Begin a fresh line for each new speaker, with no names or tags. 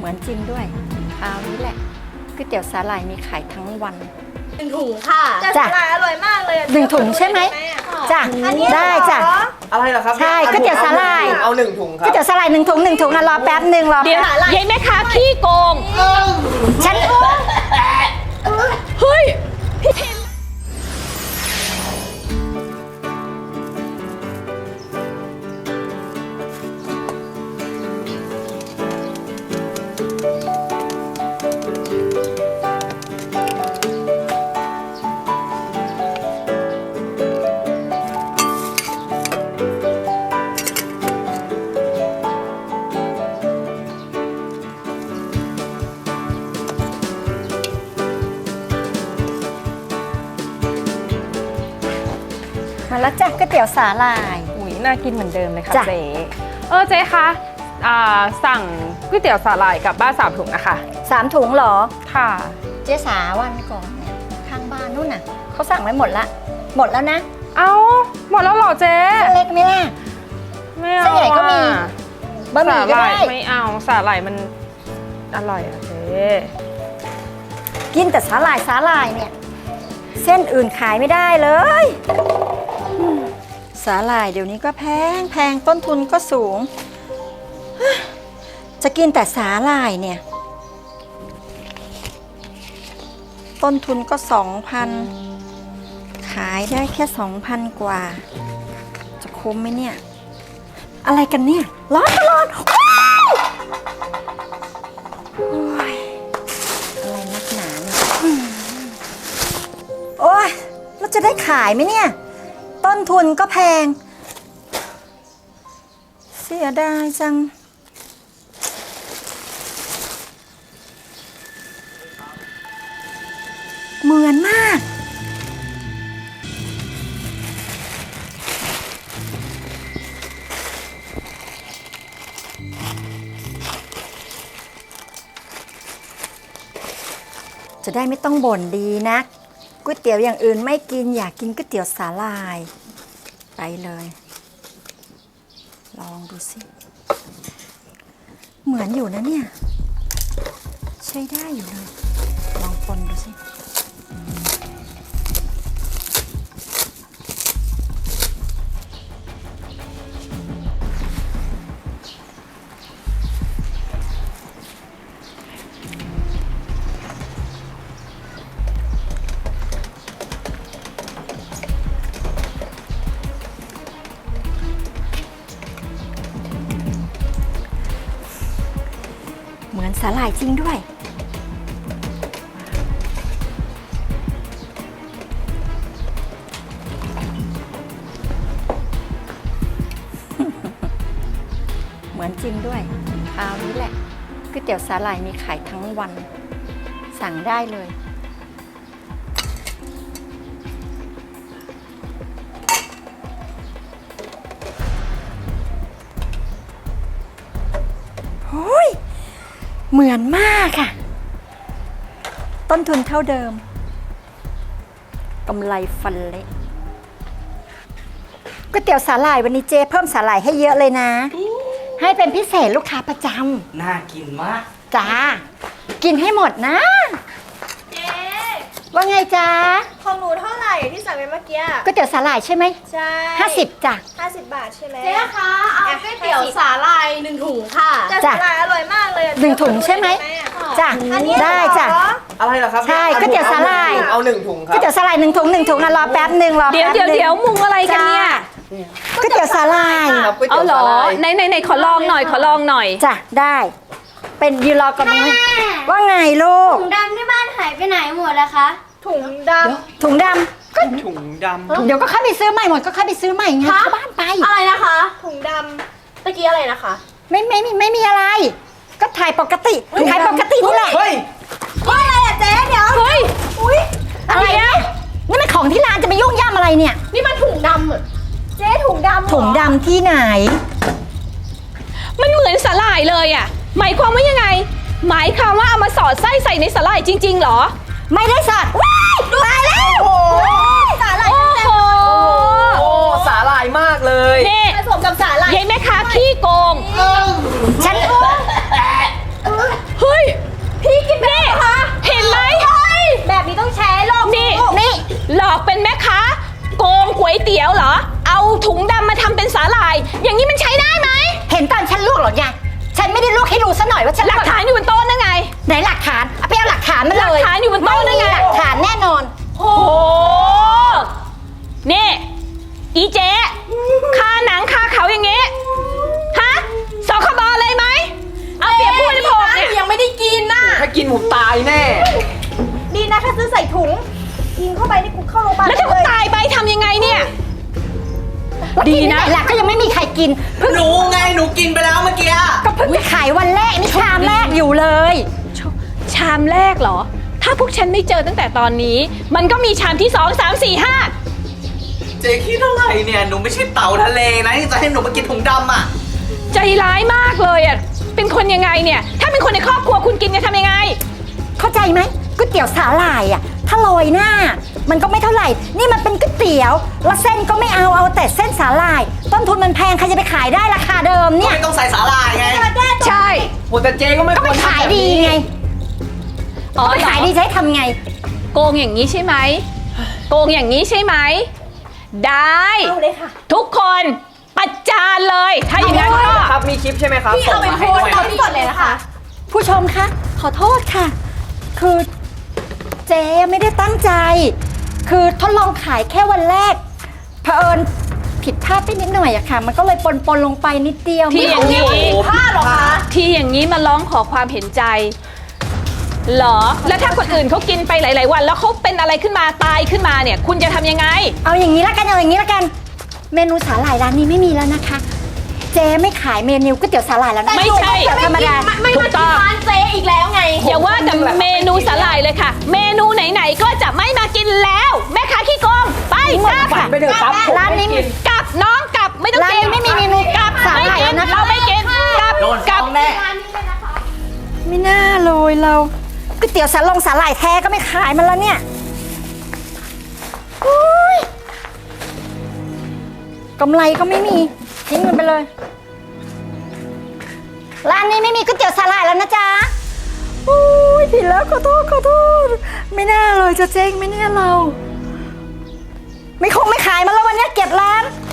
มือนจริงด้วยคราวนี้แหละก๋วยเตี๋ยวสาหร่ายมีขายทั้งวัน
1 ถุงค่ะ
จ้ะ
สาหร่ายอร่อยมากเลย
1 ถุงใช่ไหมจ้ะได้จ้ะ
อะไรเหรอครับ
ใช่ก๋วยเตี๋ยวสาหร่าย
เอา1 ถุงครับ
ก๋วยเตี๋ยวสาหร่าย1 ถุงอ่ะรอแป๊บนึงรอ
เดี๋ยวยายแม่ค้าขี้โกง
ฉัน
เฮ้ย
มาแล้วจ้ะก๋วยเตี๋ยวสาหร่าย
อุ้ยน่ากินเหมือนเดิมเลยค่ะ
จ้ะ
เจ๊เจ๊คะสั่งก๋วยเตี๋ยวสาหร่ายกับบ้าน3 ถุงนะคะ
3 ถุงเหรอ
ค่ะ
เจ๊สาวันก่อนเนี่ยข้างบ้านนู่นน่ะเขาสั่งไว้หมดแล้วนะ
เอาหมดแล้วเหรอเจ๊
เส้นเล็กไหมล่ะ
ไม่เอา
เส้นใหญ่ก็มีบะหมี่ก็ได้
สาหร่ายไม่เอาสาหร่ายมันอร่อยอะเจ๊
กินแต่สาหร่ายเนี่ยเส้นอื่นขายไม่ได้เลยสาหร่ายเดี๋ยวนี้ก็แพงต้นทุนก็สูงจะกินแต่สาหร่ายเนี่ยต้นทุนก็ 2,000 ขายได้แค่ 2,000 กว่าจะคุ้มไหมเนี่ยอะไรกันเนี่ยร้อนโอ้ยอะไรนักหนาเนี่ยโอ้ยเราจะได้ขายไหมเนี่ยต้นทุนก็แพงเสียดายจังเหมือนมากจะได้ไม่ต้องบ่นดีนักก๋วยเตี๋ยวอย่างอื่นไม่กินอยากกินก๋วยเตี๋ยวสาหร่ายไปเลยลองดูสิเหมือนอยู่นะเนี่ยใช้ได้อยู่เลยลองคนดูสิเหมือนสาหร่ายจริงด้วยเหมือนจริงด้วยคราวนี้แหละก๋วยเตี๋ยวสาหร่ายมีขายทั้งวันสั่งได้เลยโอ้ยเหมือนมากค่ะต้นทุนเท่าเดิมกำไรฟันเละก๋วยเตี๋ยวสาหร่ายวันนี้เจ๊เพิ่มสาหร่ายให้เยอะเลยนะให้เป็นพิเศษลูกค้าประจำ
น่ากินมาก
จ้ากินให้หมดนะ
เจ๊
ว่าไงจ๊ะ
ของหนูเท่าไหร่ที่สั่งไปเมื่อกี้
ก๋วยเตี๋ยวสาหร่ายใช่ไหม
ใช่
50จ้ะ
50 บาทใช่ไหม
เจ๊คะเอาก๋วยเตี๋ยวสาหร่าย1 ถุงค่ะ
สาหร่ายอร่อยมากเลย
1 ถุงใช่ไหมจ้ะได้จ้ะ
อะไรเหรอครับ
ใช่ก๋วยเตี๋ยวสาหร่าย
เอา1 ถุงครั
ก๋วยเตี๋ยวสาหร่าย1 ถุงอ่ะรอแป๊บนึงรอ
เดี๋ยวมุงอะไรกันเนี่ย
ก๋วยเตี๋ยวสาหร่าย
เอาเหรอไหนขอลองหน่อย
จ้ะได้เป็นยืนรอก่อนไหมว่าไงลูก
ถุงดำที่บ้านหายไปไหนหมดอะคะ
ถุงด
ถุงดำก็
ถุงดำ
เดี๋ยวก็เข้าไปซื้อใหม่หมดก็เข้าไปซื้อใหม่ไงเข้าบ้านไป
อะไรนะคะ
ำถุงดำตะกี้อะไรนะคะ
ไม่มีอะไร ก็ถ่ายปกตินี่แหละ
เฮ้ย
อะไรอะเจ๊เดี๋ยว
เฮ้ย
อุ้ยอะไรเนี่ยนี่มันของที่ร้านจะไปยุ่งย่ำอะไรเนี่ย
นี่มันถุงดำอะ
เจ๊ถุงดำ
ถุงดำที่ไหน
มันเหมือนสาหร่ายเลยอ่ะหมายความว่ายังไง หมายความว่าเอามาสอดไส้ใส่ในสาหร่ายจริงๆเหรอ
ไม่ได้สอดว้ายตายแล้ว
สาหร่าย
โอ้โห
โอ้สาหร่ายมากเลย
นี่
ผสมกับสาหร่าย
ยายแม่ค้าขี้โกง
ฉันกินเพิ่ง
หนูไงหนูกินไปแล้วเมื่อกี้
ก็เพิ่งจะขายวันแรกนี่ชามแรกอยู่เลย
ชามแรกเหรอ ถ้าพวกฉันไม่เจอตั้งแต่ตอนนี้ มันก็มีชามที่2 3 4 5
เจ๊คิดอะไรเนี่ย หนูไม่ใช่เต่าทะเลนะที่จะให้หนูมากินถุงดำอ่ะ
ใจร้ายมากเลยอ่ะ เป็นคนยังไงเนี่ย ถ้าเป็นคนในครอบครัวคุณกินจะทำยังไง
เข้าใจไหมก๋วยเตี๋ยวสาหร่ายอ่ะถ้าโรยหน้า มันก็ไม่เท่าไหร่ นี่มันเป็นก๋วยเตี๋ยวแล้วเส้นก็ไม่เอาแต่เส้นสาหร่าย ต้นทุนมันแพงใครจะไปขายได้ราคาเดิม
ก็
เนี่ย
ไม่ต้องใส่สาหร่ายไง
ใช่
โหแต่เจ๊ก็ไม่
ก็
ค
ไป
วร
ขายดีไง
อ๋อ
ไปขายดีจะให้ทำไง
โกงอย่างนี้ใช่ไหม โกงอย่างนี้ใช่ไหม ได้
เอาเลยค่ะ
ทุกคนประจานเลย ถ้าอย่างนั้นก็
ครับมีคลิปใช่ไหมครับ
พี่เอาไปโพสต์
ส่งมาให้
เอา
ด้วย
พี่ก่อนเลยนะคะ
ผู้ชมคะขอโทษค่ะ คือเจ๊ไม่ได้ตั้งใจ คือทดลองขายแค่วันแรกเผอิญผิดพลาดไปนิดหน่อยอะค่ะ มันก็เลยปนลงไปนิดเดียว
ที่อย่างนี้
พลาดเหรอคะ
ที่อย่างนี้มาร้องขอความเห็นใจ เหรอ แล้วถ้าคนอื่นเขากินไปหลาย ๆ วัน แล้วเขาเป็นอะไรขึ้นมาตายขึ้นมาเนี่ย คุณจะทำยังไง
เอาอย่างนี้ละกันเอาอย่างนี้ละกัน เมนูสาหร่ายร้านนี้ไม่มีแล้วนะคะ เจ๊ไม่ขายเมนูก๋วยเตี๋ยวสาหร่ายแล้วนะ
ไม่ใช่
ก๋วยเตี๋ยวธรรมดา
ไม่
ถู
มาก
ต้
กิ
อน ง
ร้านเจ๊อีกแล้วไง
อย่าว่าแต่เมนูสาหร่ายเลยค่ะ เมนูไหน ๆ ก็จะไม่มากินแล้ว แม่ค้าขี้โกงไปกลับ
ฝันไปเถอะครับ ร้านนี้
กลับน้องกลับไม่ต้อง
ร้าน
กิน
นี้ไม่มีเมนู
กลับ
สาห
ไม่
ร่าย
กิ
แล้
น
วนะคะ
เราไม่กินกลับ
โดน
กลับ
ฟ้องแน่
ไม่น่าเลยเราก๋วยเตี๋ยวสาหร่ายแท้ก็ไม่ขายมันแล้วเนี่ยโอ๊ยกำไรก็ไม่มีทิ้งมันไปเลย ร้านนี้ไม่มีก๋วยเตี๋ยวสาหร่ายแล้วนะจ๊ะโอ้ยผิดแล้วขอโทษไม่น่าเลยจะเจ๊งไม่น่าเรา ไม่คงไม่ขายมันแล้ววันนี้เก็บร้าน